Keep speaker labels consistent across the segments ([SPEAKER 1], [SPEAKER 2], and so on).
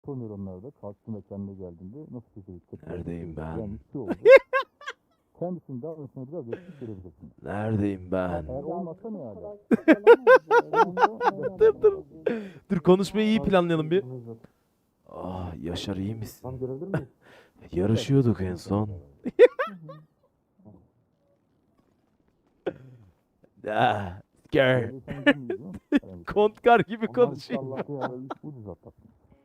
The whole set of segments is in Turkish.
[SPEAKER 1] nöronlar da kalktı ve kendine geldiğinde nasıl çözecek?
[SPEAKER 2] Neredeyim ben?
[SPEAKER 1] Yani bir şey oldu. Kendisinin davranışına biraz etkisi görebilirsiniz.
[SPEAKER 2] Neredeyim ben?
[SPEAKER 1] Eğer olmazsa ne hala?
[SPEAKER 3] Dur konuşmayı iyi planlayalım bir.
[SPEAKER 2] Ah Yaşar iyi misin?
[SPEAKER 1] Tam görebilir miyiz?
[SPEAKER 2] Yarışıyorduk en son. Ah, gör.
[SPEAKER 3] Kontkar gibi konuşuyor.
[SPEAKER 1] Allah'ta ya ucuz atlattım.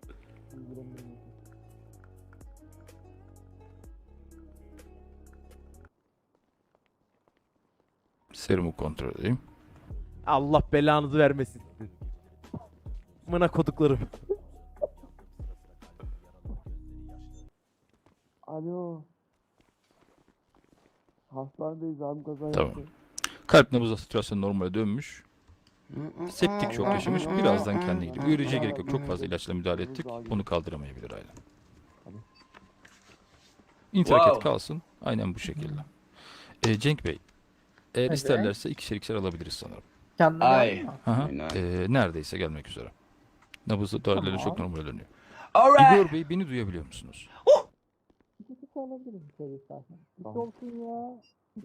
[SPEAKER 4] Serumu kontrol edeyim.
[SPEAKER 3] Allah belanızı vermesin. Mına koduklarım.
[SPEAKER 5] Alo. Hastanedeyiz abi kaza
[SPEAKER 4] Tamam.
[SPEAKER 5] yaptı.
[SPEAKER 4] Kalp nabız satürasyonu normale dönmüş. Septik şok yaşamış. Birazdan kendine gelir. Uyarıcıya gerek yok. Çok fazla ilaçla müdahale ettik. Onu kaldıramayabilir hala. İnterket kalsın. Aynen bu şekilde. Cenk Bey. Eğer isterlerse ikişer alabiliriz sanırım.
[SPEAKER 6] Ay.
[SPEAKER 4] Aha. Neredeyse gelmek üzere. Nabız daireleri çok normale dönüyor.
[SPEAKER 6] Alright.
[SPEAKER 4] Igor Bey beni duyabiliyor musunuz?
[SPEAKER 5] İkisi alabiliriz içeri istersen. Hiç olsun ya.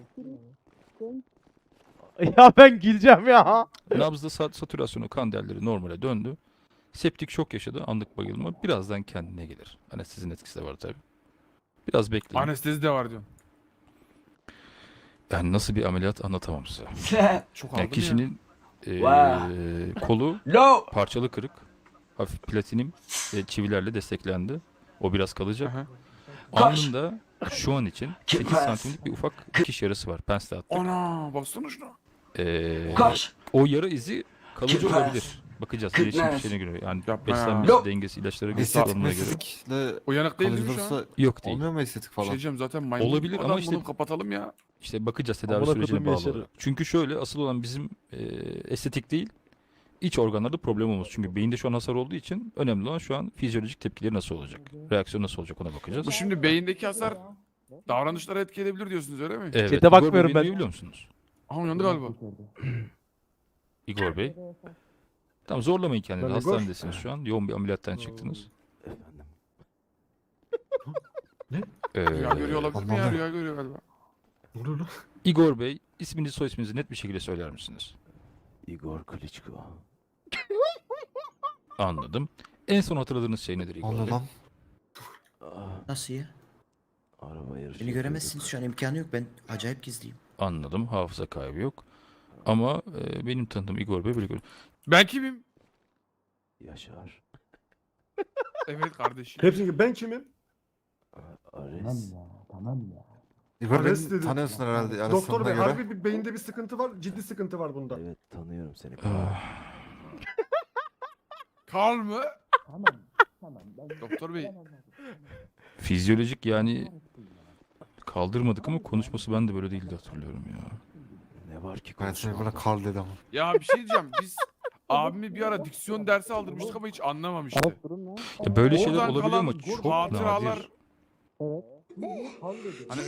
[SPEAKER 3] Ya ben güleceğim ya.
[SPEAKER 4] Nabızda satürasyonu kan değerleri normale döndü. Septik şok yaşadı. Anlık bayılma. Birazdan kendine gelir. Anestezinin etkisi de var tabii. Biraz bekleyin.
[SPEAKER 7] Anestezi de var diyorsun.
[SPEAKER 4] Yani nasıl bir ameliyat anlatamam size.
[SPEAKER 7] Çok
[SPEAKER 4] Yani
[SPEAKER 7] aldım
[SPEAKER 4] kişinin
[SPEAKER 6] Wow.
[SPEAKER 4] kolu
[SPEAKER 6] Low.
[SPEAKER 4] parçalı kırık. Hafif platinim ve çivilerle desteklendi. O biraz kalacak.
[SPEAKER 7] Aha.
[SPEAKER 4] Alnında şu an için 8
[SPEAKER 6] Kıpras.
[SPEAKER 4] santimlik bir ufak dikiş yarası var. Pensle attık.
[SPEAKER 7] Ana baksana şuna.
[SPEAKER 6] Koş.
[SPEAKER 4] O yara izi kalıcı
[SPEAKER 6] Kıpras.
[SPEAKER 4] olabilir. Bakacağız. Gelişim
[SPEAKER 6] Kıpras.
[SPEAKER 4] şeyine göre. Yani
[SPEAKER 7] Yapma ya.
[SPEAKER 4] beslenmesi,
[SPEAKER 6] Yok.
[SPEAKER 4] dengesi, ilaçlara göre,
[SPEAKER 8] Estetik
[SPEAKER 4] kullanımına göre.
[SPEAKER 8] meslekle
[SPEAKER 7] Uyanık değil mi şu an?
[SPEAKER 8] kalınırsa
[SPEAKER 4] Yok değil.
[SPEAKER 8] olmuyor mu estetik
[SPEAKER 7] Şey
[SPEAKER 8] falan?
[SPEAKER 7] diyeceğim zaten maymun.
[SPEAKER 4] Olabilir ama
[SPEAKER 7] Adam
[SPEAKER 4] işte-
[SPEAKER 7] bunu kapatalım ya.
[SPEAKER 4] İşte bakacağız tedavi
[SPEAKER 3] Amına
[SPEAKER 4] sürecine
[SPEAKER 3] kodum
[SPEAKER 4] bağlı
[SPEAKER 3] Yaşar'ı.
[SPEAKER 4] olarak. Çünkü şöyle asıl olan bizim estetik değil, iç organlarda problem olması. Çünkü beyinde şu an hasar olduğu için önemli olan şu an fizyolojik tepkileri nasıl olacak? Reaksiyon nasıl olacak ona bakacağız.
[SPEAKER 7] Bu şimdi beyindeki hasar davranışlara etki edebilir diyorsunuz öyle mi?
[SPEAKER 4] Evet.
[SPEAKER 3] Chat'e
[SPEAKER 4] Igor Bey,
[SPEAKER 3] bakmıyorum
[SPEAKER 4] beni
[SPEAKER 3] ben.
[SPEAKER 4] duyabiliyor musunuz?
[SPEAKER 7] Aha uyandı galiba.
[SPEAKER 4] Igor Bey. Tamam zorlamayın kendinizi.
[SPEAKER 8] Ben Igor.
[SPEAKER 4] Hastanedesiniz şu an. Yoğun bir ameliyattan çıktınız.
[SPEAKER 2] Efendim.
[SPEAKER 7] Rüya görüyor olabilir mi ya?
[SPEAKER 8] Anladım.
[SPEAKER 7] Rüya görüyor galiba.
[SPEAKER 8] Ne oluyor lan?
[SPEAKER 4] Igor Bey, isminizi soy isminizi net bir şekilde söyler misiniz?
[SPEAKER 2] Igor Klitschko.
[SPEAKER 4] Anladım. En son hatırladığınız şey nedir Igor
[SPEAKER 8] Allah
[SPEAKER 4] Bey?
[SPEAKER 8] lan.
[SPEAKER 2] Ah,
[SPEAKER 9] Nasıl ya?
[SPEAKER 2] araba yarışı
[SPEAKER 9] Beni göremezsiniz
[SPEAKER 2] yapıyorduk.
[SPEAKER 9] şu an imkanı yok. Ben acayip gizliyim.
[SPEAKER 4] Anladım. Hafıza kaybı yok. Ama benim tanıdığım Igor Bey böyle görünüyor.
[SPEAKER 7] Ben kimim?
[SPEAKER 2] Yaşar.
[SPEAKER 7] Evet kardeşim.
[SPEAKER 10] Hepsini ben kimim?
[SPEAKER 1] Tamam
[SPEAKER 2] Ares.
[SPEAKER 1] ya, tamam ya.
[SPEAKER 8] Igor
[SPEAKER 10] Ares
[SPEAKER 8] beni
[SPEAKER 10] dedi.
[SPEAKER 8] tanıyorsun herhalde. Yani
[SPEAKER 10] Doktor
[SPEAKER 8] sanına
[SPEAKER 10] bey
[SPEAKER 8] göre.
[SPEAKER 10] harbi bir beyinde bir sıkıntı var, ciddi sıkıntı var bunda.
[SPEAKER 2] Evet tanıyorum seni.
[SPEAKER 4] Ah,
[SPEAKER 7] Karl mı?
[SPEAKER 1] Tamam, tamam.
[SPEAKER 7] Doktor bey.
[SPEAKER 4] fizyolojik yani kaldırmadık ama konuşması ben de böyle değildi hatırlıyorum ya.
[SPEAKER 2] Ne var ki
[SPEAKER 8] Ben seni
[SPEAKER 2] konuşmamda?
[SPEAKER 8] bana Karl dedi ama.
[SPEAKER 7] Ya bir şey diyeceğim. Biz abimi bir ara diksiyon dersi aldırmıştık ama hiç anlamamıştı.
[SPEAKER 5] Durum ne?
[SPEAKER 4] Ya böyle şeyler
[SPEAKER 7] Oradan
[SPEAKER 4] olabilir
[SPEAKER 7] kalan
[SPEAKER 4] ama çok
[SPEAKER 7] hatıralar
[SPEAKER 4] nadir.
[SPEAKER 7] hani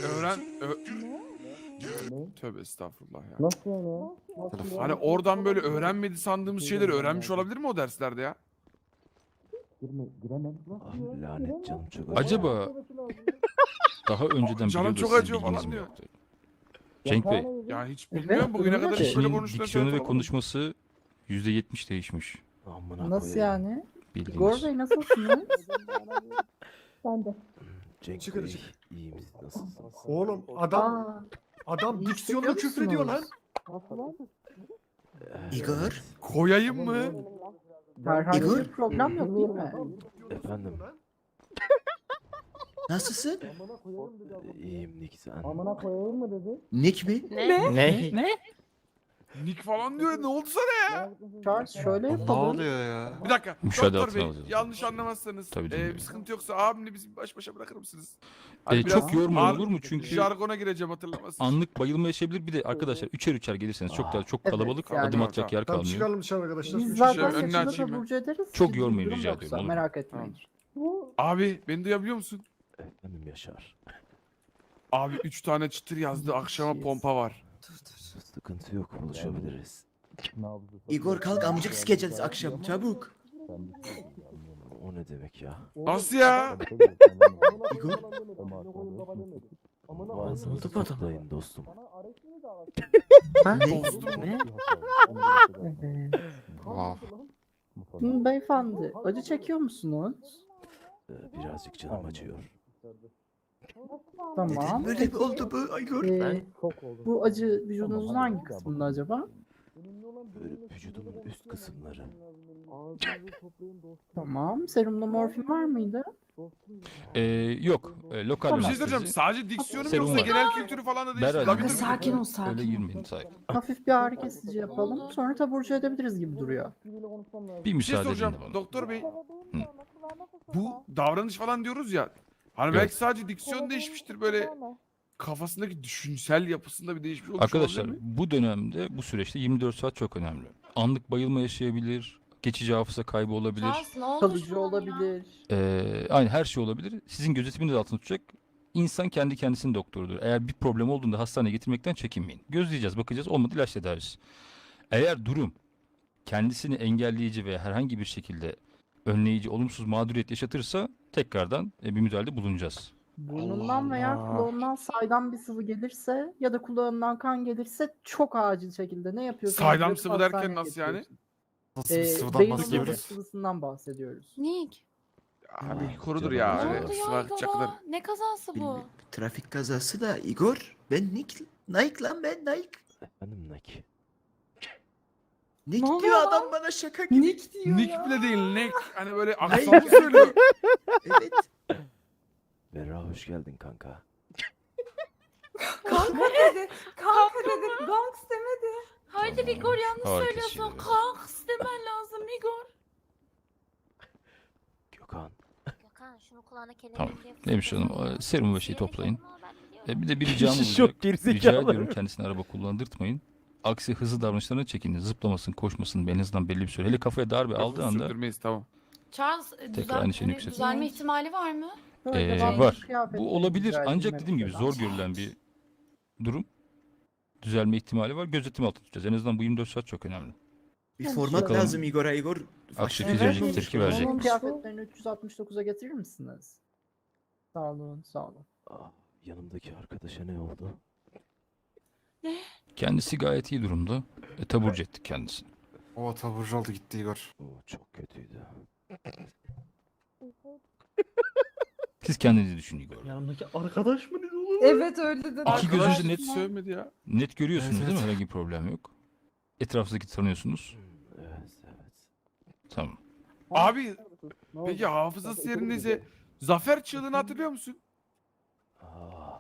[SPEAKER 7] Tövbe estağfurullah ya.
[SPEAKER 5] Nasıl yani?
[SPEAKER 8] Telefon.
[SPEAKER 7] Hani oradan böyle öğrenmedi sandığımız şeyleri öğrenmiş olabilir mi o derslerde ya?
[SPEAKER 1] Giremem.
[SPEAKER 2] Ah, lanet canım çok acıyor.
[SPEAKER 4] Acaba daha önceden
[SPEAKER 7] Canım
[SPEAKER 4] biliyordu
[SPEAKER 7] çok
[SPEAKER 4] sizin
[SPEAKER 7] acıyor
[SPEAKER 4] bilginiz
[SPEAKER 7] falan
[SPEAKER 4] mi
[SPEAKER 7] diyor.
[SPEAKER 4] yoktu? Cenk Bey,
[SPEAKER 7] Ya hiç bilmiyorum bugüne kadar hiç böyle
[SPEAKER 4] kişinin
[SPEAKER 7] konuştuğunu
[SPEAKER 4] diksiyonu ve
[SPEAKER 7] söylemedim.
[SPEAKER 4] konuşması %70 değişmiş.
[SPEAKER 2] Amına
[SPEAKER 6] Nasıl
[SPEAKER 2] koyayım.
[SPEAKER 6] yani?
[SPEAKER 4] Bildiğiniz.
[SPEAKER 6] Igor Bey nasılsınız?
[SPEAKER 5] Ben de.
[SPEAKER 2] Cenk
[SPEAKER 10] Çıkar,
[SPEAKER 2] Bey,
[SPEAKER 10] çıkar.
[SPEAKER 2] iyi misin? Nasılsınız?
[SPEAKER 10] Oğlum adam
[SPEAKER 6] Aa,
[SPEAKER 10] adam
[SPEAKER 6] iyi
[SPEAKER 10] diksiyonla
[SPEAKER 6] hissediyor
[SPEAKER 10] küfrediyor lan.
[SPEAKER 6] musunuz?
[SPEAKER 9] Igor?
[SPEAKER 7] Koyayım mı?
[SPEAKER 6] Herhangi
[SPEAKER 9] Igor?
[SPEAKER 6] bir problem yok değil mi?
[SPEAKER 2] Efendim.
[SPEAKER 9] Nasılsın?
[SPEAKER 2] İyiyim Nick sen.
[SPEAKER 5] Amına koyayım mı dedi?
[SPEAKER 9] Nick mi?
[SPEAKER 3] Ne?
[SPEAKER 7] Nick falan diyor. Ne oldu sana ya?
[SPEAKER 6] Charles şöyle
[SPEAKER 8] Ne
[SPEAKER 6] yapalım.
[SPEAKER 8] oluyor ya?
[SPEAKER 7] Bir dakika.
[SPEAKER 4] Müşahede
[SPEAKER 7] Doktor
[SPEAKER 4] altına
[SPEAKER 7] bey
[SPEAKER 4] alacağız.
[SPEAKER 7] yanlış anlamazsanız
[SPEAKER 4] Tabii
[SPEAKER 7] bir
[SPEAKER 4] dinliyorum.
[SPEAKER 7] sıkıntı yoksa abimle bizi baş başa bırakır mısınız? Hani
[SPEAKER 4] Çok
[SPEAKER 7] biraz
[SPEAKER 4] yorma
[SPEAKER 7] ağır-
[SPEAKER 4] olur mu? Çünkü
[SPEAKER 7] Jargona gireceğim hatırlamazsın.
[SPEAKER 4] anlık bayılma yaşayabilir. Bir de arkadaşlar üçer gelirseniz çok daha çok
[SPEAKER 6] Evet,
[SPEAKER 4] kalabalık
[SPEAKER 6] yani.
[SPEAKER 4] adım atacak yer
[SPEAKER 10] Tamam
[SPEAKER 4] kalmıyor.
[SPEAKER 10] çıkalım dışarı arkadaşlar.
[SPEAKER 6] Biz
[SPEAKER 10] Üç
[SPEAKER 6] zaten
[SPEAKER 10] kişi.
[SPEAKER 7] önüne
[SPEAKER 6] saçını
[SPEAKER 7] açayım
[SPEAKER 6] da
[SPEAKER 7] ben.
[SPEAKER 6] burcu ederiz.
[SPEAKER 4] Çok
[SPEAKER 6] Sizin
[SPEAKER 4] yormayın
[SPEAKER 6] durum
[SPEAKER 4] rica
[SPEAKER 6] yoksa
[SPEAKER 4] ediyorum, olur mu?
[SPEAKER 6] merak etmeyin.
[SPEAKER 7] Abi beni duyabiliyor musun?
[SPEAKER 2] Efendim Yaşar.
[SPEAKER 7] Abi 3 tane çıtır yazdı akşama pompa var.
[SPEAKER 2] Sıkıntı yok buluşabiliriz.
[SPEAKER 9] Igor kalk amcık sikeceğiz akşam çabuk.
[SPEAKER 2] O ne demek ya?
[SPEAKER 7] Nasıl ya?
[SPEAKER 2] Ağzınızı
[SPEAKER 9] Oldu bu adam.
[SPEAKER 2] toplayın dostum.
[SPEAKER 9] Ha?
[SPEAKER 6] Ne?
[SPEAKER 9] Ne?
[SPEAKER 6] Evet.
[SPEAKER 8] Wow.
[SPEAKER 6] Beyefendi, acı çekiyor musunuz?
[SPEAKER 2] Birazcık canım acıyor.
[SPEAKER 6] Tamam.
[SPEAKER 9] Neden böyle bir oldu bu Igor?
[SPEAKER 6] Bu acı vücudunuzun hangi kısmında acaba?
[SPEAKER 2] Böyle vücudumun üst kısımları.
[SPEAKER 6] Tamam. Serumda morfin var mıydı?
[SPEAKER 4] Yok. Lokal
[SPEAKER 6] Tamam.
[SPEAKER 7] Bir şey
[SPEAKER 4] anestezi.
[SPEAKER 7] soracağım. Sadece diksiyonu mu
[SPEAKER 4] Serum
[SPEAKER 7] yoksa
[SPEAKER 4] var.
[SPEAKER 7] genel kültürü falan da değişti.
[SPEAKER 4] Berra,
[SPEAKER 7] Labidir mi?
[SPEAKER 5] sakin ol, sakin
[SPEAKER 4] Öyle
[SPEAKER 5] ol.
[SPEAKER 4] girmeyin sakin.
[SPEAKER 6] Hafif bir ağrı kesici yapalım. Sonra taburcu edebiliriz gibi duruyor.
[SPEAKER 4] Bir
[SPEAKER 7] Bir şey
[SPEAKER 4] müsaade edin
[SPEAKER 7] soracağım.
[SPEAKER 4] de bana.
[SPEAKER 7] Doktor bey.
[SPEAKER 4] Hı.
[SPEAKER 7] Bu davranış falan diyoruz ya. Hani
[SPEAKER 4] Evet.
[SPEAKER 7] belki sadece diksiyon değişmiştir böyle kafasındaki düşünsel yapısında bir değişmiş olmuş
[SPEAKER 4] Arkadaşlar
[SPEAKER 7] olabilir mi?
[SPEAKER 4] bu dönemde bu süreçte 24 saat çok önemli. Anlık bayılma yaşayabilir, geçici hafıza kaybı olabilir.
[SPEAKER 6] Kalıcı olabilir.
[SPEAKER 4] Aynı her şey olabilir. Sizin gözetiminiz altında tutacak. İnsan kendi kendisinin doktorudur. Eğer bir problem olduğunda hastaneye getirmekten çekinmeyin. Gözleyeceğiz, bakacağız. Olmadı ilaç tedavisi. Eğer durum kendisini engelleyici veya herhangi bir şekilde önleyici, olumsuz mağduriyet yaşatırsa tekrardan bir müdahalede bulunacağız.
[SPEAKER 6] Burnundan veya kulağından saydam bir sıvı gelirse ya da kulağından kan gelirse çok acil şekilde ne yapıyorsunuz?
[SPEAKER 7] Saydam
[SPEAKER 6] Direkt
[SPEAKER 7] sıvı derken
[SPEAKER 6] hastaneye
[SPEAKER 7] nasıl yani?
[SPEAKER 6] getiriyorsunuz.
[SPEAKER 8] Nasıl bir sıvıdan
[SPEAKER 6] Beyin
[SPEAKER 8] bahsediyoruz?
[SPEAKER 6] omurilik sıvısından bahsediyoruz.
[SPEAKER 5] Nick.
[SPEAKER 7] Abi korudur
[SPEAKER 2] Canım
[SPEAKER 7] ya.
[SPEAKER 2] acıyor.
[SPEAKER 5] Ne
[SPEAKER 7] Öyle
[SPEAKER 5] oldu
[SPEAKER 7] sıvı
[SPEAKER 5] ya
[SPEAKER 7] akıtacak kadar.
[SPEAKER 5] Igor'a? Ne kazası bu?
[SPEAKER 9] Bilmiyorum. Trafik kazası da Igor. Ben Nike. Nike lan ben Nike.
[SPEAKER 2] Efendim Naki.
[SPEAKER 9] Nick
[SPEAKER 5] Ne oluyor
[SPEAKER 9] diyor
[SPEAKER 5] lan?
[SPEAKER 9] adam bana şaka gibi.
[SPEAKER 5] Nick diyor
[SPEAKER 7] Nick
[SPEAKER 5] ya.
[SPEAKER 7] bile değil, Nick. Hani böyle aksanlı söylüyor.
[SPEAKER 9] Evet.
[SPEAKER 2] Berra hoş geldin kanka.
[SPEAKER 5] Kanka dedi. Kanka dedi. Gangs demedi. Haydi
[SPEAKER 4] Tamam.
[SPEAKER 5] Igor yanlış
[SPEAKER 4] Harika
[SPEAKER 5] söylüyorsun.
[SPEAKER 4] şey.
[SPEAKER 5] Kanks demen lazım Igor.
[SPEAKER 2] Gökhan.
[SPEAKER 11] Gökhan şunu kulağına kelebek
[SPEAKER 4] Tamam.
[SPEAKER 11] diye
[SPEAKER 4] Neymiş
[SPEAKER 11] fısıldama
[SPEAKER 4] hanım?
[SPEAKER 11] ya.
[SPEAKER 4] Serum ve şeyi
[SPEAKER 11] Yemek
[SPEAKER 4] toplayın.
[SPEAKER 11] yapma, ben biliyorum.
[SPEAKER 4] Bir de bir ricam olacak.
[SPEAKER 3] Şok gerizekalı.
[SPEAKER 4] Rica ediyorum kendisine araba kullandırtmayın. Aksi hızlı davranışlarına çekinin. Zıplamasın, koşmasın. En azından belli bir süre. Hele kafaya darbe aldığı anda
[SPEAKER 7] Sürdürmeyiz tamam.
[SPEAKER 5] Charles
[SPEAKER 4] aynı şeyini yükseltin.
[SPEAKER 5] düzelme ihtimali var mı?
[SPEAKER 6] Böyle devamlı
[SPEAKER 4] var.
[SPEAKER 6] kıyafetleri
[SPEAKER 4] Bu olabilir
[SPEAKER 6] rica
[SPEAKER 4] ancak
[SPEAKER 6] edilmeli
[SPEAKER 4] dediğim gibi
[SPEAKER 6] mesela.
[SPEAKER 4] zor görülen bir durum. Düzelme ihtimali var. Gözetim altında tutacağız. En azından bu 24 saat çok önemli.
[SPEAKER 9] Bir
[SPEAKER 6] Yani
[SPEAKER 9] format
[SPEAKER 4] bakalım.
[SPEAKER 9] lazım Igor'a Igor.
[SPEAKER 4] Aksi
[SPEAKER 9] Faşist.
[SPEAKER 4] fizyolojik
[SPEAKER 6] Evet.
[SPEAKER 4] tepki
[SPEAKER 6] Onun
[SPEAKER 4] verecekmiş.
[SPEAKER 6] kıyafetlerini 369'a getirir misiniz? Sağ olun, sağ olun.
[SPEAKER 2] Yanımdaki arkadaşa ne oldu?
[SPEAKER 4] Kendisi gayet iyi durumda. Taburcu ettik kendisini.
[SPEAKER 8] O taburcu oldu gitti Igor.
[SPEAKER 2] O çok kötüydü.
[SPEAKER 4] Siz kendinizi düşünün Igor.
[SPEAKER 10] Yanımdaki arkadaş mı dedi oğlum?
[SPEAKER 5] Evet öyle dedi.
[SPEAKER 4] İki gözünüzü net
[SPEAKER 7] Sövmedi ya.
[SPEAKER 4] net görüyorsunuz
[SPEAKER 8] Evet,
[SPEAKER 4] değil mi?
[SPEAKER 8] evet.
[SPEAKER 4] Herhangi bir problem yok. Etrafınızdaki tanıyorsunuz.
[SPEAKER 2] Evet evet.
[SPEAKER 4] Tamam.
[SPEAKER 7] Abi peki hafızası yerindeyse Zafer çığlığını hatırlıyor musun?
[SPEAKER 2] Aa,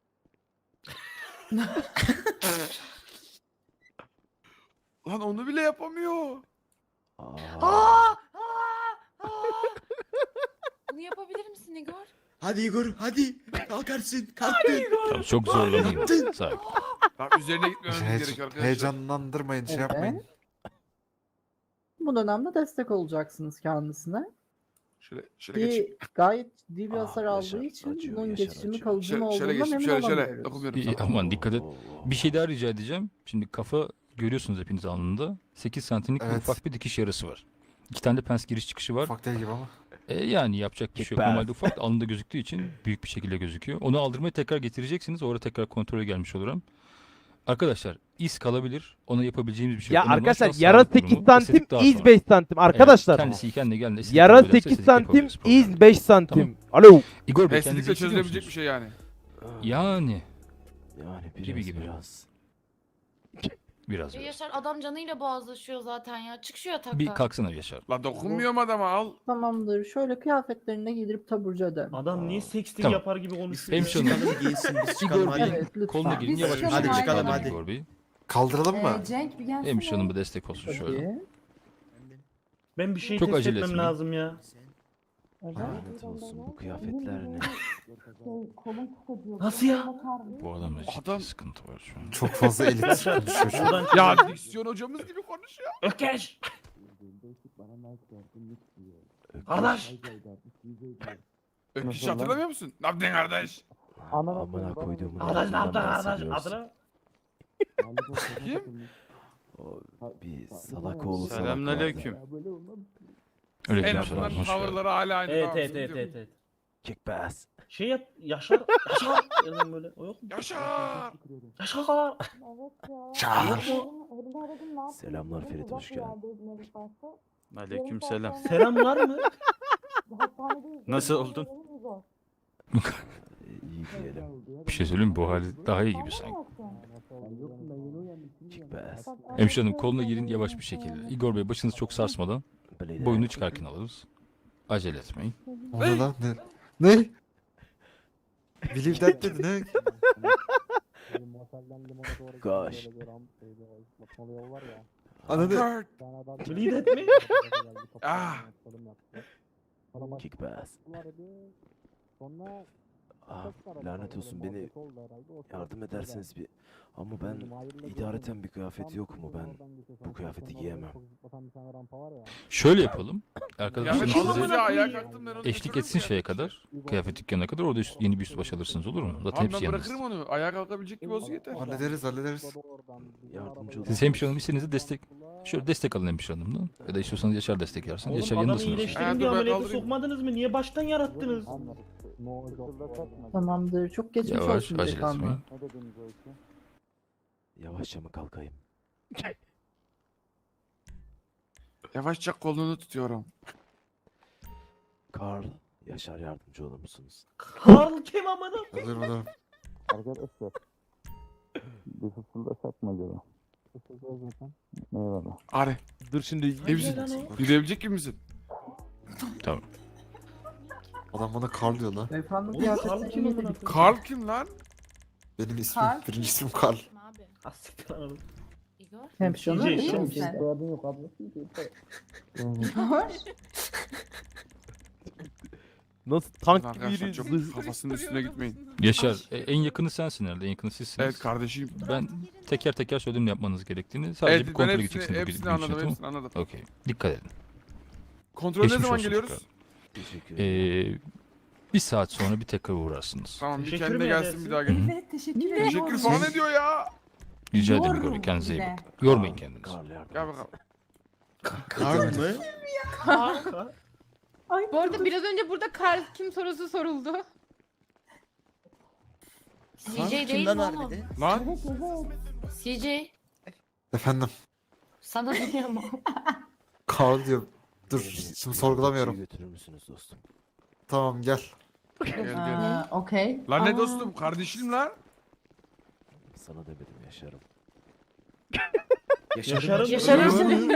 [SPEAKER 7] Lan onu bile yapamıyor.
[SPEAKER 2] aa.
[SPEAKER 5] Bunu yapabilir misin Igor?
[SPEAKER 9] Hadi Igor hadi. Kalkarsın. Kalktın.
[SPEAKER 4] Tamam çok zorlamayın.
[SPEAKER 9] Yaptın.
[SPEAKER 4] Sakin.
[SPEAKER 7] Lan üzerine gitmememiz gerekiyor arkadaşlar.
[SPEAKER 8] Heyecanlandırmayın şey yapmayın.
[SPEAKER 6] Evet. Bu dönemde destek olacaksınız kendisine.
[SPEAKER 7] Şöyle geç.
[SPEAKER 6] Gayet ciddi bir
[SPEAKER 2] Ah,
[SPEAKER 6] hasar
[SPEAKER 2] Yaşar,
[SPEAKER 6] aldığı için
[SPEAKER 2] acıyor,
[SPEAKER 6] bunun
[SPEAKER 2] Yaşar,
[SPEAKER 6] geçişimi
[SPEAKER 2] acıyor.
[SPEAKER 6] kalıcı mı
[SPEAKER 7] Şöyle
[SPEAKER 6] olduğundan
[SPEAKER 7] geç.
[SPEAKER 6] emin
[SPEAKER 7] Şöyle
[SPEAKER 6] olamıyoruz.
[SPEAKER 7] dokunmuyorum
[SPEAKER 4] İyi,
[SPEAKER 7] sana.
[SPEAKER 4] aman dikkat et.
[SPEAKER 2] Oo,
[SPEAKER 4] Bir şey daha rica edeceğim. Şimdi kafa görüyorsunuz hepiniz alnında. 8 santimlik bir
[SPEAKER 8] Evet.
[SPEAKER 4] ufak bir dikiş yarası var. 2 tane de pens giriş çıkışı var.
[SPEAKER 8] Ufak değil gibi ama.
[SPEAKER 4] Yani yapacak bir şey yok.
[SPEAKER 2] Süper.
[SPEAKER 4] Normalde ufak alnında gözüktüğü için büyük bir şekilde gözüküyor. Onu aldırmaya tekrar getireceksiniz. Orada tekrar kontrole gelmiş olurum. Arkadaşlar iz kalabilir. Ona yapabileceğimiz bir şey
[SPEAKER 3] Ya
[SPEAKER 4] yok. Önemli olan
[SPEAKER 3] arkadaşlar
[SPEAKER 4] şu an
[SPEAKER 3] yara
[SPEAKER 4] sağlık
[SPEAKER 3] 8
[SPEAKER 4] durumu.
[SPEAKER 3] santim,
[SPEAKER 4] Estetik daha
[SPEAKER 3] iz
[SPEAKER 4] sonra.
[SPEAKER 3] 5 santim. Arkadaşlar
[SPEAKER 4] Kendisi kendine geldi. estetik
[SPEAKER 3] yara
[SPEAKER 4] yapabilirse
[SPEAKER 3] 8
[SPEAKER 4] estetik
[SPEAKER 3] santim,
[SPEAKER 4] yapabiliriz, problem yok.
[SPEAKER 3] iz 5 santim. Alo.
[SPEAKER 4] Igor Bey kendinizi
[SPEAKER 7] Estetikle
[SPEAKER 4] hissediyor
[SPEAKER 7] çözülebilecek
[SPEAKER 4] musunuz?
[SPEAKER 7] bir şey yani.
[SPEAKER 4] Yani
[SPEAKER 2] Yani biraz
[SPEAKER 4] Gibi gibi.
[SPEAKER 2] biraz.
[SPEAKER 4] biraz.
[SPEAKER 5] Yaşar adam canıyla boğazlaşıyor zaten ya. Çık şu yataktan.
[SPEAKER 4] Bir kalksana Yaşar.
[SPEAKER 7] Lan dokunmuyorum adama al.
[SPEAKER 6] Tamamdır. Şöyle kıyafetlerini giydirip taburcu edelim.
[SPEAKER 10] Adam niye sexting
[SPEAKER 4] Tamam.
[SPEAKER 10] yapar gibi konuşuyor?
[SPEAKER 4] Hemşire hanım.
[SPEAKER 9] Çıkalım giyinsin biz çıkalım
[SPEAKER 4] Igor
[SPEAKER 9] hadi.
[SPEAKER 4] Bey
[SPEAKER 6] Evet, lütfen.
[SPEAKER 4] koluna girin
[SPEAKER 5] Biz
[SPEAKER 4] yavaş
[SPEAKER 5] çıkalım,
[SPEAKER 4] yavaş.
[SPEAKER 9] hadi çıkalım,
[SPEAKER 4] Hadi
[SPEAKER 9] hadi.
[SPEAKER 4] Igor Bey.
[SPEAKER 8] Kaldıralım mı?
[SPEAKER 5] Cenk bir gelsene.
[SPEAKER 4] Hemşire hanım bir destek olsun şöyle.
[SPEAKER 6] Tabii.
[SPEAKER 10] Ben bir şey
[SPEAKER 4] Çok
[SPEAKER 10] test
[SPEAKER 4] acele
[SPEAKER 10] etmem
[SPEAKER 4] etmeyin.
[SPEAKER 10] lazım ya.
[SPEAKER 2] Lanet olsun bu kıyafetler ne?
[SPEAKER 10] Nasıl ya?
[SPEAKER 4] Bu adamda ciddi
[SPEAKER 7] Adam-
[SPEAKER 4] sıkıntı var şu an.
[SPEAKER 8] Çok fazla elit konuşuyor şu an.
[SPEAKER 10] Buradan
[SPEAKER 7] Ya diksiyon hocamız gibi konuşuyor.
[SPEAKER 10] Ökeş!
[SPEAKER 2] Öküz.
[SPEAKER 10] Kardeş!
[SPEAKER 7] Öküş hatırlamıyor musun? Ne yaptın kardeş?
[SPEAKER 2] Amına koyduğumun
[SPEAKER 10] Kardeş ne yaptı
[SPEAKER 2] lafından
[SPEAKER 10] kardeş?
[SPEAKER 2] bahsediyorsun.
[SPEAKER 10] Adına?
[SPEAKER 7] Kim?
[SPEAKER 2] O bir salak oğlu salak
[SPEAKER 3] Selamünaleyküm.
[SPEAKER 2] vardı.
[SPEAKER 4] Öyle
[SPEAKER 7] En
[SPEAKER 4] diyeyim
[SPEAKER 7] azından
[SPEAKER 4] sana. Hoş geldin.
[SPEAKER 7] tavırları hala aynı.
[SPEAKER 10] Evet
[SPEAKER 7] tamam,
[SPEAKER 10] evet
[SPEAKER 7] sıkıntı
[SPEAKER 10] evet
[SPEAKER 7] yok.
[SPEAKER 10] evet.
[SPEAKER 2] Kick bass.
[SPEAKER 10] Şey yap Yaşar. Yaşar. Yazın böyle. O yok mu?
[SPEAKER 7] Yaşar!
[SPEAKER 10] Yaşar.
[SPEAKER 5] Evet ya.
[SPEAKER 2] Çağır.
[SPEAKER 5] Elimde aradım, ne yapayım?
[SPEAKER 2] Selamlar
[SPEAKER 5] Dedim,
[SPEAKER 2] Ferit,
[SPEAKER 5] uzak
[SPEAKER 2] hoş
[SPEAKER 5] bir
[SPEAKER 2] geldin.
[SPEAKER 5] yerdeydim Elif başta.
[SPEAKER 12] Aleykümselam.
[SPEAKER 10] Selamlar mı?
[SPEAKER 5] Hastanedeyiz.
[SPEAKER 12] Nasıl oldun?
[SPEAKER 5] Zor.
[SPEAKER 2] İyi diyelim.
[SPEAKER 4] Bir şey söyleyeyim mi? Bu hali daha iyi gibi sanki.
[SPEAKER 2] Kick bass.
[SPEAKER 4] Hemşire hanım koluna girin yavaş bir şekilde. Igor Bey başınızı çok sarsmadan
[SPEAKER 2] Blade.
[SPEAKER 4] boyunu çıkarken alırız. Acele etmeyin.
[SPEAKER 8] O ne lan? Ne? Ne? Believe that dedi ne?
[SPEAKER 2] Gosh.
[SPEAKER 8] Ananı.
[SPEAKER 10] Bleed et mi?
[SPEAKER 7] Ah!
[SPEAKER 2] Kick bass. Ah, lanet olsun, beni yardım ederseniz bir... Ama ben idareten bir kıyafet yok mu? Ben bu kıyafeti giyemem.
[SPEAKER 4] Şöyle yapalım.
[SPEAKER 7] Kıyafet
[SPEAKER 4] Arkadaşlar
[SPEAKER 10] Kim
[SPEAKER 4] size
[SPEAKER 10] amına
[SPEAKER 7] alınca ayağa
[SPEAKER 10] koyayım?
[SPEAKER 7] kalktım ben onu
[SPEAKER 4] eşlik
[SPEAKER 7] götürürüm
[SPEAKER 4] etsin şeye
[SPEAKER 7] kıyafetçiye.
[SPEAKER 4] kadar. Kıyafet dükkanına kadar orada yeni bir üst baş alırsınız, olur mu? Zaten
[SPEAKER 7] Tamam
[SPEAKER 4] hepsi
[SPEAKER 7] ben
[SPEAKER 4] yanınızda.
[SPEAKER 7] bırakırım onu. Ayağa kalkabilecek gibi olsun yeter.
[SPEAKER 8] Hallederiz.
[SPEAKER 2] Yardımcı olun.
[SPEAKER 4] Siz hemşire hanım istediğinizde destek... Şöyle destek alın hemşire hanımdan. Ya da istiyorsanız Yaşar destek yersiniz.
[SPEAKER 10] Oğlum
[SPEAKER 4] Yaşar
[SPEAKER 10] adamı
[SPEAKER 4] yanındasınız.
[SPEAKER 10] iyileştirin
[SPEAKER 7] Ha,
[SPEAKER 10] diye
[SPEAKER 7] dur ben
[SPEAKER 10] ameliyata
[SPEAKER 7] kaldırayım.
[SPEAKER 10] sokmadınız mı? Niye baştan yarattınız?
[SPEAKER 6] Tamamdır. Çok geçmiş
[SPEAKER 4] Yavaş,
[SPEAKER 6] olsun
[SPEAKER 4] acele
[SPEAKER 6] delikanlı.
[SPEAKER 4] etmeyin.
[SPEAKER 2] Yavaşça mı kalkayım?
[SPEAKER 7] Yavaşça kolunu tutuyorum.
[SPEAKER 2] Carl, Yaşar yardımcı olur musunuz?
[SPEAKER 10] Karl kim amına?
[SPEAKER 8] Hazırım.
[SPEAKER 1] Arkadaşlar. Bir fısıldasak mı acaba? Fısıldayacaksan. Eyvallah.
[SPEAKER 7] Ari.
[SPEAKER 3] Dur şimdi.
[SPEAKER 7] İyi misin? Yürüyebilecek gibi misin?
[SPEAKER 8] Adam bana Karl diyor lan.
[SPEAKER 6] Beyefendi
[SPEAKER 10] Oğlum Karl
[SPEAKER 6] kıyafetleri
[SPEAKER 10] kim amına
[SPEAKER 6] iyiydi.
[SPEAKER 10] koyayım?
[SPEAKER 7] Karl kim lan?
[SPEAKER 8] Benim ismim.
[SPEAKER 6] Karl.
[SPEAKER 8] Birinci ismim Karl.
[SPEAKER 10] Ha, siktir lan oğlum.
[SPEAKER 6] Hemşire hanım
[SPEAKER 10] CJ,
[SPEAKER 6] iyi
[SPEAKER 10] şu-
[SPEAKER 6] misin?
[SPEAKER 1] Soyadın yok ablası.
[SPEAKER 3] Nasıl tank gibi
[SPEAKER 7] Arkadaşlar çok
[SPEAKER 3] yürüyorsun?
[SPEAKER 7] kafasının üstüne gitmeyin.
[SPEAKER 4] Yaşar en yakını sensin herhalde. En yakını sizsiniz.
[SPEAKER 7] Evet kardeşim.
[SPEAKER 4] Ben teker teker söyledim ne yapmanız gerektiğini. Sadece bir
[SPEAKER 7] Evet ben
[SPEAKER 4] kontrole
[SPEAKER 7] hepsini,
[SPEAKER 4] gideceksiniz. bu
[SPEAKER 7] hepsini
[SPEAKER 4] gün
[SPEAKER 7] anladım.
[SPEAKER 4] içinde,
[SPEAKER 7] Hepsini anladım.
[SPEAKER 4] tamam? Okey. Dikkat edin.
[SPEAKER 7] Kontrol ne
[SPEAKER 4] Geçmiş
[SPEAKER 7] zaman
[SPEAKER 4] olsun
[SPEAKER 7] geliyoruz?
[SPEAKER 4] tekrar.
[SPEAKER 2] Teşekkür ederim.
[SPEAKER 4] Bir saat sonra bir tekrar uğrarsınız.
[SPEAKER 7] Tamam bir
[SPEAKER 10] Teşekkür
[SPEAKER 7] kendine
[SPEAKER 10] mi
[SPEAKER 7] gelsin
[SPEAKER 10] edersin?
[SPEAKER 7] bir daha gel.
[SPEAKER 5] Evet, teşekkür ederim.
[SPEAKER 7] Teşekkür falan ne diyor ya?
[SPEAKER 4] Rica ederim Igor Bey.
[SPEAKER 5] Yorum
[SPEAKER 4] Kendinize iyi
[SPEAKER 5] bile.
[SPEAKER 4] bakın. Yormayın kendinizi.
[SPEAKER 2] Carl yardım
[SPEAKER 7] Gel
[SPEAKER 2] etsin.
[SPEAKER 7] bakalım.
[SPEAKER 8] Karl mı?
[SPEAKER 5] Ay,
[SPEAKER 13] Bu arada biraz önce burada Karl kim sorusu soruldu.
[SPEAKER 9] CJ değil mi oğlum?
[SPEAKER 7] Lan
[SPEAKER 5] evet, evet.
[SPEAKER 9] CJ.
[SPEAKER 8] Efendim.
[SPEAKER 9] Sana duyuyor mu?
[SPEAKER 8] Karl diyor. Dur şimdi sorgulamıyorum.
[SPEAKER 2] Götürür müsünüz dostum?
[SPEAKER 8] Tamam gel.
[SPEAKER 7] gel gel.
[SPEAKER 6] Okey.
[SPEAKER 7] Lan ne
[SPEAKER 9] Aa.
[SPEAKER 7] dostum kardeşim lan.
[SPEAKER 2] Sana demedim Yaşar'ım.
[SPEAKER 10] Yaşar'ın
[SPEAKER 9] Yaşar'ın-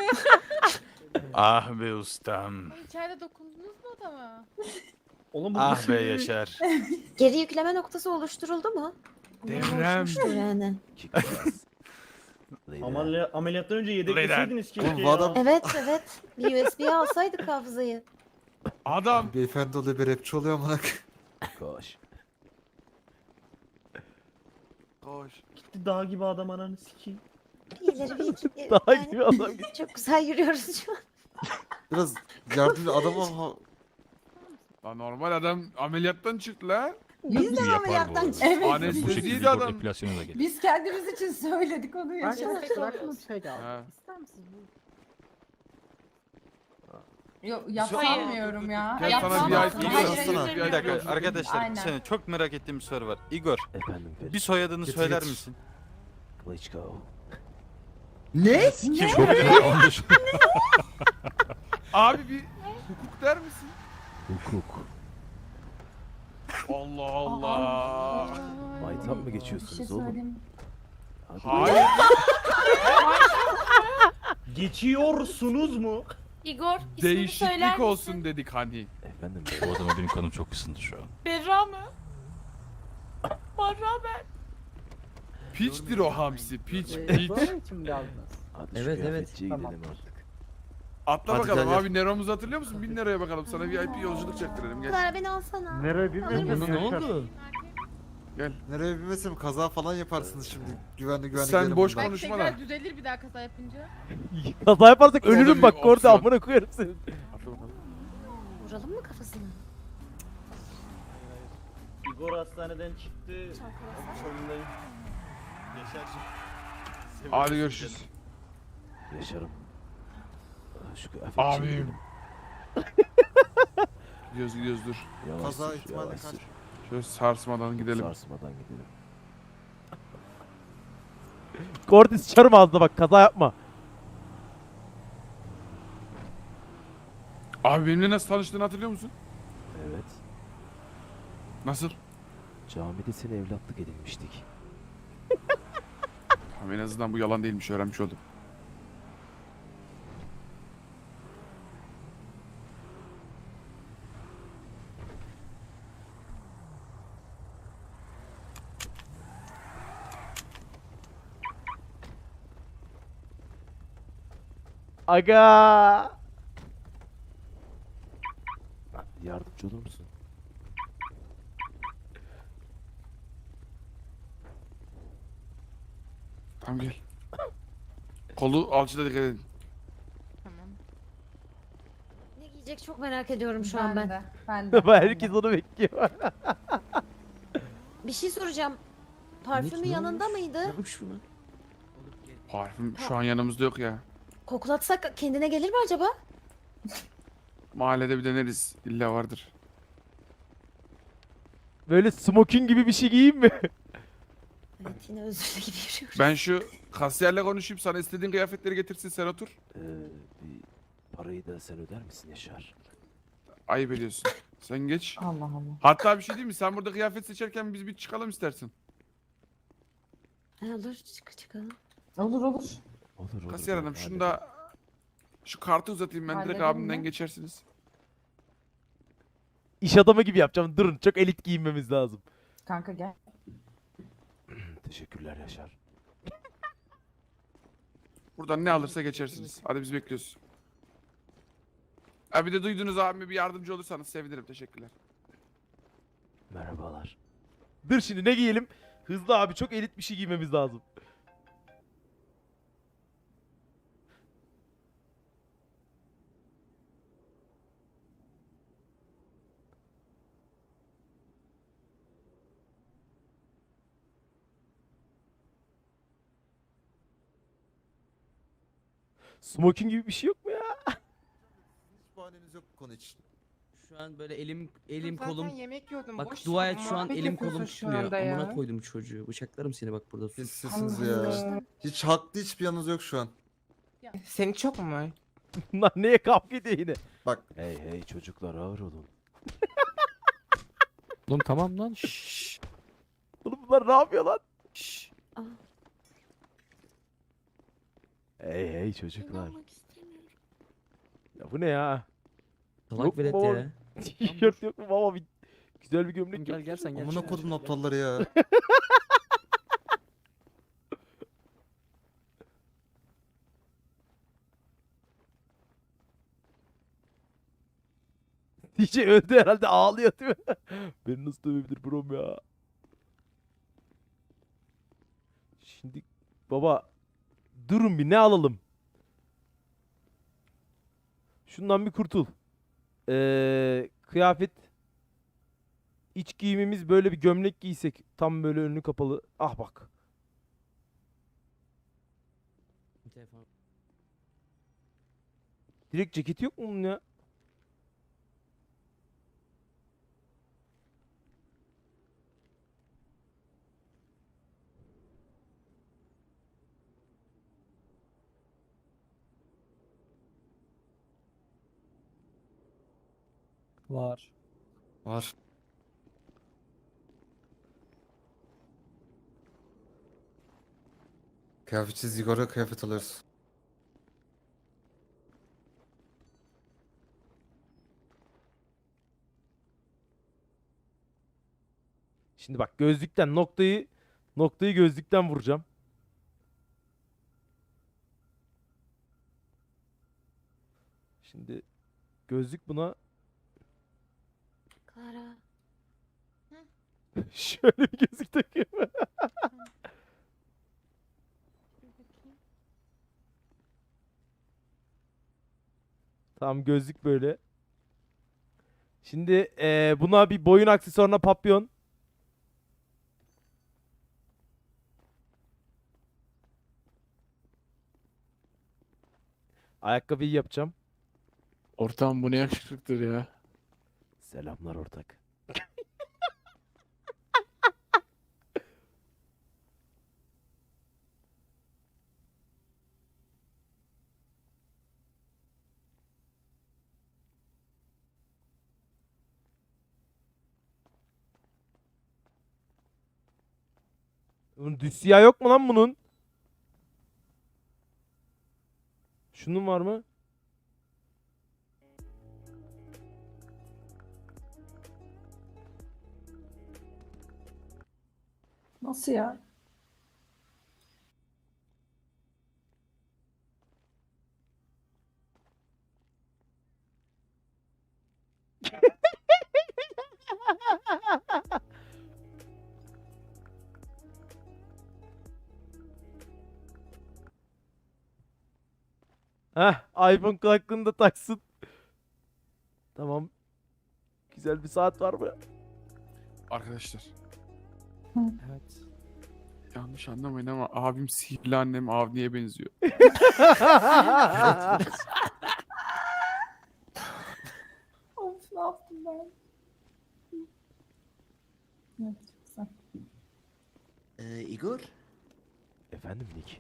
[SPEAKER 12] Ah be ustam.
[SPEAKER 13] İçeride dokundunuz mu adama?
[SPEAKER 10] Oğlum bu
[SPEAKER 12] Ah be Yaşar.
[SPEAKER 11] Geri yükleme noktası oluşturuldu mu?
[SPEAKER 7] Devrem.
[SPEAKER 11] Yani.
[SPEAKER 2] Kick bass. Blade.
[SPEAKER 10] Ameliyattan önce yedekleseydiniz keşke
[SPEAKER 8] Oğlum bu
[SPEAKER 10] ya.
[SPEAKER 8] adam-
[SPEAKER 11] Evet. Bir USB'ye alsaydık hafızayı.
[SPEAKER 7] Adam.
[SPEAKER 8] Beyefendi oluyor bir rapçi oluyor amına.
[SPEAKER 2] Koş.
[SPEAKER 7] Koş.
[SPEAKER 10] Gitti dağ gibi adam ananı sikeyim.
[SPEAKER 11] İyileri bir iki.
[SPEAKER 3] Daha
[SPEAKER 11] yani
[SPEAKER 3] gibi adam.
[SPEAKER 11] çok güzel yürüyoruz şu an.
[SPEAKER 8] Biraz yardımcı adama
[SPEAKER 7] Lan normal adam ameliyattan çıktı lan.
[SPEAKER 4] Biz de ameliyattan
[SPEAKER 5] Evet.
[SPEAKER 4] Bu
[SPEAKER 7] Anesteziydi
[SPEAKER 4] şekilde Igor
[SPEAKER 7] adam.
[SPEAKER 4] epilasyona da gelir.
[SPEAKER 5] Biz kendimiz için söyledik onu ya.
[SPEAKER 6] Arkadaşlar aklımda bir şey geldi.
[SPEAKER 7] Ha.
[SPEAKER 6] İster misiniz?
[SPEAKER 5] Yok yapamıyorum ya.
[SPEAKER 7] Gel sana
[SPEAKER 5] Yapamam.
[SPEAKER 7] bir
[SPEAKER 5] Hayır,
[SPEAKER 7] IP
[SPEAKER 5] hayır,
[SPEAKER 7] yazsana.
[SPEAKER 5] hayır,
[SPEAKER 12] Bir
[SPEAKER 5] hayır.
[SPEAKER 12] dakika arkadaşlar
[SPEAKER 5] Aynen.
[SPEAKER 12] senin çok merak ettiğim bir soru var. Igor
[SPEAKER 2] Efendim Ferit.
[SPEAKER 12] bir soyadını
[SPEAKER 8] Getir,
[SPEAKER 12] söyler
[SPEAKER 8] getir.
[SPEAKER 12] misin?
[SPEAKER 2] Klitschko.
[SPEAKER 9] Ne?
[SPEAKER 4] Çok iyi.
[SPEAKER 7] Abi bir hukuk der misin?
[SPEAKER 2] Hukuk.
[SPEAKER 7] Allah Allah.
[SPEAKER 2] Maytap mı
[SPEAKER 5] Bir şey
[SPEAKER 2] geçiyorsunuz oğlum?
[SPEAKER 5] söyleyeyim.
[SPEAKER 2] Hadi.
[SPEAKER 7] Hayır.
[SPEAKER 10] Geçiyorsunuz mu?
[SPEAKER 11] Igor ismini söyler
[SPEAKER 7] Değişiklik
[SPEAKER 11] misin?
[SPEAKER 7] olsun dedik hani.
[SPEAKER 2] Efendim
[SPEAKER 4] Bu adama benim kanım çok ısındı şu an.
[SPEAKER 11] Berra mı? Barra ben.
[SPEAKER 7] Piçtir o hamsi. Piç piç.
[SPEAKER 6] Böyle için mi geldiniz?
[SPEAKER 2] Hadi
[SPEAKER 6] Evet,
[SPEAKER 2] şu
[SPEAKER 6] evet.
[SPEAKER 2] kıyafetçiye
[SPEAKER 6] Tamam.
[SPEAKER 2] gidelim artık.
[SPEAKER 7] Atla
[SPEAKER 8] Hadi
[SPEAKER 7] bakalım
[SPEAKER 8] gel, gel.
[SPEAKER 7] abi Nero'muzu hatırlıyor musun? 1000 liraya bakalım sana VIP yolculuk çektirelim gel.
[SPEAKER 11] Clara beni alsana.
[SPEAKER 10] Nereye bilmiyorum.
[SPEAKER 3] Ne oldu?
[SPEAKER 8] Nereye bilmesem kaza falan yaparsınız şimdi. Güvenli
[SPEAKER 7] Sen
[SPEAKER 8] gelin
[SPEAKER 7] boş
[SPEAKER 8] buradan.
[SPEAKER 7] konuş.
[SPEAKER 13] Belki
[SPEAKER 7] Konuşma
[SPEAKER 13] tekrar
[SPEAKER 7] lan.
[SPEAKER 13] düzelir bir daha kaza yapınca.
[SPEAKER 3] Kaza yaparsak
[SPEAKER 7] O da
[SPEAKER 3] ölürüm
[SPEAKER 7] bir
[SPEAKER 3] bak orada
[SPEAKER 7] opsiyon.
[SPEAKER 3] amına koyarım seni.
[SPEAKER 7] Atla bakalım.
[SPEAKER 11] Vuralım mı kafasını?
[SPEAKER 10] Igor hastaneden çıktı. Sorundayım.
[SPEAKER 12] Yaşar'cığım.
[SPEAKER 7] Hadi görüşürüz.
[SPEAKER 2] Yaşar'ım. Şu kıyafetçiye
[SPEAKER 7] Abim.
[SPEAKER 2] gidelim.
[SPEAKER 7] Gidiyoruz dur.
[SPEAKER 2] Yavaş
[SPEAKER 8] Kaza
[SPEAKER 2] sür,
[SPEAKER 8] ihtimali
[SPEAKER 2] yavaş
[SPEAKER 8] kaç?
[SPEAKER 2] sür.
[SPEAKER 7] Şöyle sarsmadan gidelim.
[SPEAKER 2] Sarsmadan gidelim.
[SPEAKER 3] Kordi sıçarım ağzına bak kaza yapma.
[SPEAKER 7] Abi benimle nasıl tanıştığını hatırlıyor musun?
[SPEAKER 2] Evet.
[SPEAKER 7] Nasıl?
[SPEAKER 2] Camide seni evlatlık edinmiştik.
[SPEAKER 7] Tamam, en azından bu yalan değilmiş, öğrenmiş oldum.
[SPEAKER 3] Aga.
[SPEAKER 2] Yardımcı olur musun?
[SPEAKER 7] Tamam gel. Kolu alçıda dikkat edin.
[SPEAKER 13] Tamam.
[SPEAKER 11] Ne giyecek çok merak ediyorum şu an ben.
[SPEAKER 13] Ben de.
[SPEAKER 3] Herkes onu bekliyor.
[SPEAKER 11] Bir şey soracağım. Parfümü yanında mıydı?
[SPEAKER 7] Parfüm şu an yanımızda yok ya.
[SPEAKER 11] Koklatsak kendine gelir mi acaba?
[SPEAKER 7] Mahallede bir deneriz. İlla vardır.
[SPEAKER 3] Böyle smoking gibi bir şey giyeyim mi?
[SPEAKER 11] Evet yine özürlü gibi yürüyoruz.
[SPEAKER 7] Ben şu kasiyerle konuşayım, sana istediğin kıyafetleri getirsin, sen otur.
[SPEAKER 2] Bir parayı da sen öder misin Yaşar?
[SPEAKER 7] Ayıp ediyorsun. Sen geç.
[SPEAKER 5] Allah Allah.
[SPEAKER 7] Hatta bir şey diyeyim mi? Sen burada kıyafet seçerken biz bir çıkalım istersin.
[SPEAKER 11] Olur çıkalım.
[SPEAKER 5] Olur.
[SPEAKER 2] Olur
[SPEAKER 7] Kasiyer
[SPEAKER 2] ben
[SPEAKER 7] hanım şunu
[SPEAKER 2] hallederim.
[SPEAKER 7] da şu kartı uzatayım, ben direkt
[SPEAKER 5] Halledelim
[SPEAKER 7] abimden
[SPEAKER 5] mi?
[SPEAKER 7] geçersiniz.
[SPEAKER 3] İş adamı gibi yapacağım. Durun çok elit giyinmemiz lazım.
[SPEAKER 5] Kanka gel.
[SPEAKER 2] Teşekkürler Yaşar.
[SPEAKER 7] Buradan ne alırsa geçersiniz. Hadi biz bekliyoruz. Ha bir de duydunuz abime bir yardımcı olursanız sevinirim. Teşekkürler.
[SPEAKER 2] Merhabalar.
[SPEAKER 3] Dur şimdi ne giyelim? Hızlı abi çok elit bir şey giymemiz lazım. Smoking gibi bir şey yok mu ya?
[SPEAKER 8] Hiç bahaneniz yok bu konu için.
[SPEAKER 14] Şu an böyle elim kolum.
[SPEAKER 13] yemek yiyordum.
[SPEAKER 14] Bak dua et şu an elim kolum tutmuyor. Amına koydum çocuğu. Bıçaklarım seni bak burada.
[SPEAKER 8] Siz sizsiniz ya. Hiç haklı hiçbir yanınız yok şu an.
[SPEAKER 13] Senin çok mu var?
[SPEAKER 3] Bunlar neye kavga ediyor yine?
[SPEAKER 8] Bak
[SPEAKER 2] Hey hey çocuklar ağır olun.
[SPEAKER 3] Oğlum tamam lan. Oğlum bunlar ne yapıyor lan?
[SPEAKER 2] Hey hey çocuklar.
[SPEAKER 11] İnanmak istemiyorum.
[SPEAKER 3] Ya bu ne ya?
[SPEAKER 14] Salak
[SPEAKER 3] Yok mu
[SPEAKER 14] velet
[SPEAKER 3] baba?
[SPEAKER 14] ya.
[SPEAKER 3] Tişört yok mu baba? Güzel bir gömlek yok.
[SPEAKER 14] Gel sen gel.
[SPEAKER 8] amına kodum aptalları ya.
[SPEAKER 3] DJ öldü herhalde ağlıyor değil mi? Beni nasıl dövebilir brom ya? Şimdi baba durun bir ne alalım? Şundan bir kurtul. Kıyafet iç giyimimiz böyle bir gömlek giysek tam böyle önü kapalı. Ah bak.
[SPEAKER 14] Telefon.
[SPEAKER 3] Direkt ceketi yok mu bunun ya?
[SPEAKER 14] Var.
[SPEAKER 8] Var. Kıyafetsiz Igor'a kıyafet alıyoruz.
[SPEAKER 3] Şimdi bak gözlükten noktayı gözlükten vuracağım. Şimdi gözlük buna
[SPEAKER 11] Clara.
[SPEAKER 3] şöyle bir gözlük takıyorum. Tamam gözlük böyle. Şimdi buna bir boyun aksesuarına papyon. Ayakkabıyı yapacağım.
[SPEAKER 7] Ortam bu ne yakışıklıktır ya.
[SPEAKER 2] Selamlar ortak.
[SPEAKER 3] Bunun düz siyah yok mu lan bunun? Şunun var mı?
[SPEAKER 6] Nasıl ya?
[SPEAKER 3] Heh, iPhone kulaklığını da taksın. Tamam. Güzel bir saat var mı?
[SPEAKER 7] Arkadaşlar
[SPEAKER 3] Evet.
[SPEAKER 7] yanlış anlamayın ama abim sihirli annem Avni'ye benziyor.
[SPEAKER 6] Of ne yaptım ben? Evet, çok güzel.
[SPEAKER 9] Igor,
[SPEAKER 2] Efendim Nick.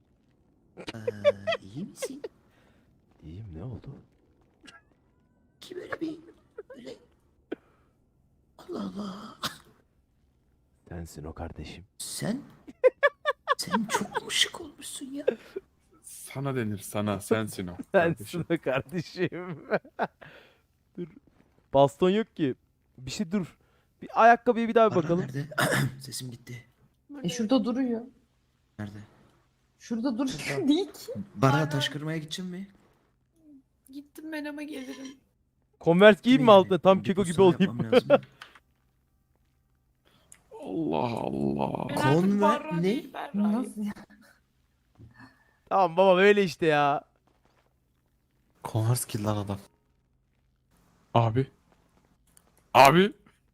[SPEAKER 9] iyi misin?
[SPEAKER 2] İyiyim, ne oldu?
[SPEAKER 9] Ki böyle bir böyle Allah Allah.
[SPEAKER 2] Sensin o kardeşim.
[SPEAKER 9] Sen çok mu şık olmuşsun ya?
[SPEAKER 7] Sana denir sana sensin o.
[SPEAKER 3] Sensin o kardeşim. Dur. Baston yok ki. Bir şey dur. Bir ayakkabıya bir daha bir
[SPEAKER 9] Barra
[SPEAKER 3] bakalım.
[SPEAKER 9] nerede? Sesim gitti.
[SPEAKER 6] Şurada duruyor.
[SPEAKER 9] Nerede?
[SPEAKER 6] Şurada duruyor değil ki.
[SPEAKER 9] Bara taş kırmaya gideceğim mi?
[SPEAKER 6] Gittim ben ama gelirim.
[SPEAKER 3] Converse giyeyim mi
[SPEAKER 9] Yani
[SPEAKER 3] altına? Tam
[SPEAKER 9] bir
[SPEAKER 3] keko gibi
[SPEAKER 9] postane
[SPEAKER 3] olayım.
[SPEAKER 9] yapmam lazım.
[SPEAKER 7] Allah Allah.
[SPEAKER 9] Konver ne?
[SPEAKER 6] Nasıl ya?
[SPEAKER 3] Tamam baba böyle işte ya.
[SPEAKER 8] Converse kill lan adam.
[SPEAKER 7] Abi. Abi.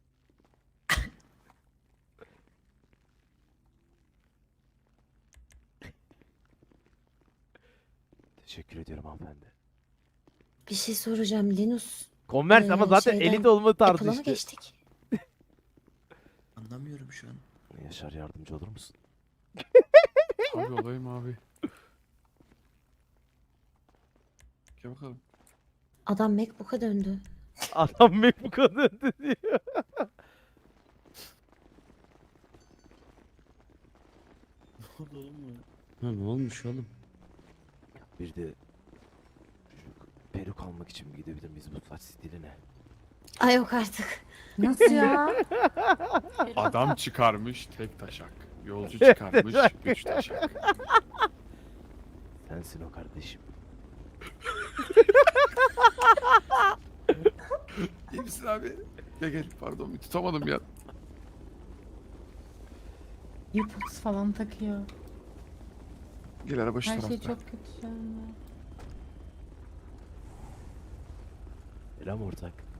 [SPEAKER 2] Teşekkür ediyorum hanımefendi.
[SPEAKER 11] Bir şey soracağım Linus.
[SPEAKER 3] Converse ama zaten
[SPEAKER 11] Şeyden
[SPEAKER 3] elit olma tarzı
[SPEAKER 11] Apple'a mı
[SPEAKER 3] işte.
[SPEAKER 11] geçtik?
[SPEAKER 9] Anlamıyorum şu an.
[SPEAKER 2] Yaşar, yardımcı olur musun?
[SPEAKER 7] Abi olayım abi. Gel bakalım.
[SPEAKER 11] Adam MacBook'a döndü.
[SPEAKER 3] Adam MacBook'a döndü diyor.
[SPEAKER 14] Ha, ne olmuş oğlum?
[SPEAKER 2] Bir de şu peruk almak için mi gidebilir miyiz bu saç stiline?
[SPEAKER 11] Ay yok artık.
[SPEAKER 6] Nasıl ya?
[SPEAKER 7] Adam çıkarmış tek taşak. Yolcu çıkarmış 3 taşak.
[SPEAKER 2] Sensin o kardeşim.
[SPEAKER 7] İyi misin abi? Gel pardon bir tutamadım ya.
[SPEAKER 13] Earpods falan takıyor.
[SPEAKER 7] Gel araba şu
[SPEAKER 13] Her
[SPEAKER 7] tarafta.
[SPEAKER 13] şey çok kötü şu anda.
[SPEAKER 2] Selam ortak.